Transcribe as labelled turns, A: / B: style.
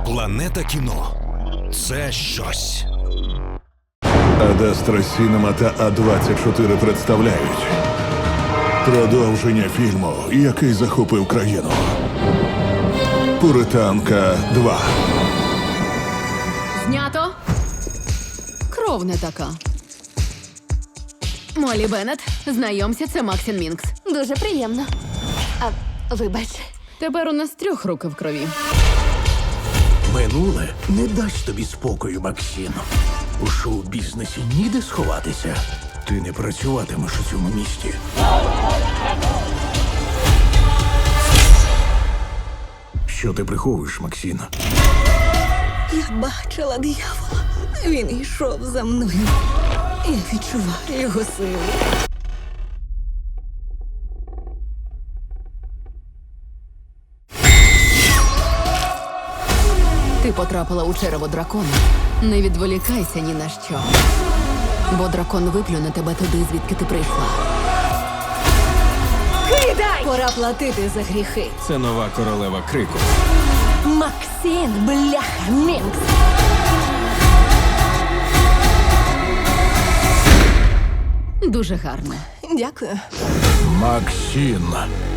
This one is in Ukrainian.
A: Планета кіно – це щось.
B: Адастра Сінема та А24 представляють продовження фільму, який захопив країну. Пуританка 2.
C: Знято. Кров не така. Молі Беннет, знайомся, це Максін Мінкс.
D: Дуже приємно. Вибач.
C: Тепер у нас 3 руки в крові.
E: Минуле не дасть тобі спокою, Максим. У шоу-бізнесі ніде сховатися. Ти не працюватимеш у цьому місті. Що ти приховуєш, Максим?
D: Я бачила диявола. Він йшов за мною. Я відчуваю його силу.
C: Ти потрапила у черево дракона. Не відволікайся ні на що. Бо дракон виплюне тебе туди, звідки ти прийшла.
D: Кидай! Пора платити за гріхи.
F: Це нова королева крику.
D: Максим, бляха, Мінкс.
C: Дуже гарно.
D: Дякую.
E: Максим,